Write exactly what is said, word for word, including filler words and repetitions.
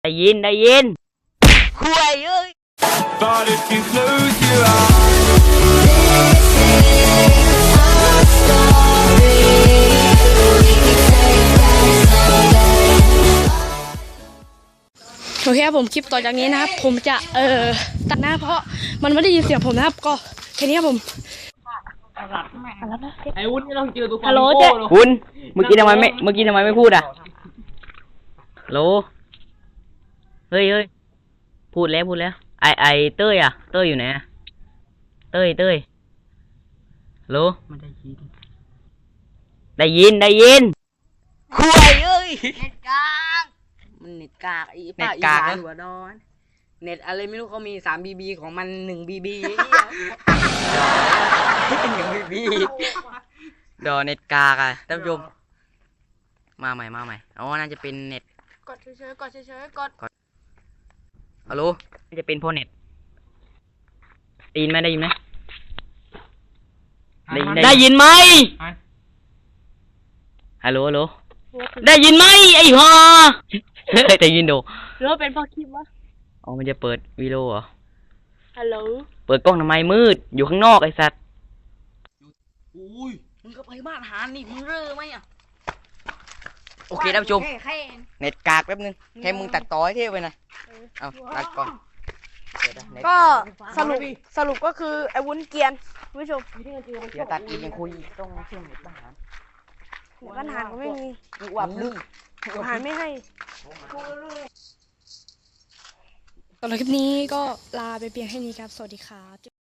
ได้ยินได้ยินคุยเอ้ย But if you close your eyes โอเคครับผมคลิปต่อจากนี้นะครับผมจะเอ่อตัดหน้าเพราะมันไม่ได้ยินเสียงผมนะครับก็แค่นี้ครับผมไอ้วุ้นไม่ต้องเจอตัวฮัลโหลเจ๊คุณเมื่อกี้ทำไมไม่เมื่อกี้ทำไมไม่พูดอ่ะฮัลโหลเฮ้ยเฮ้ยพูดแล้วพูดแล้วไอไอเต้ยอ่ะเต้ยอยู่ไหนอะเต้ยเต้ยฮัลโหลมันได้ยินได้ยินได้ยินคุยเอ้ยเน็ตกากมันเน็ตกากไอ้เน็ป้าตอีกากสานนะหัวดอนเน็ตอะไรไม่รู้เขามีสามบีบีของมันหนึ่งบีบีเป็นอย่างพี่พี่ดอเน็ตกากอ่ะท่านผู้ชมมาใหม่มาใหม่อ๋อน่าจะเป็นเน็ตกดเฉยๆกดเฉยๆกดฮัลโหลน่าจะเป็นโพเน็ตได้ยินไหมได้ยินไหมได้ยินได้ยินไหมฮัลโหลฮัลโหลได้ยินไหมไอ้ห่าได้ยินดูหรือว่าเป็นเพราะคลิปวะอ๋อมันจะเปิดวีดีโอเหรอฮัลโหลเปิดกล้องทำไมมืดอยู่ข้างนอกไอ้สัตว์อุ้ยมึงก็ไปบ้านหานี่มึงเร่อไหมอ่ะโอเคท่านผู้ชมแค่แค่เน็ตกากแป๊บนึงแค่มึงตัดต่อให้เท่ไปหนะเอาตัดก่อนเดี๋ยวนะเน็ตก็สรุปสรุปก็คือไอ้วุ้นเกรียนคุณผู้ชมเดี๋ยวตัดอีกยังคุยต้องเชื่อมเน็ตบ้านเดี๋ยวปัญหาก็ไม่มีอีกว่าลึกอาหารไม่ให้สำหรับคลิปนี้ก็ลาไปเพียงแค่นี้ครับสวัสดีครับ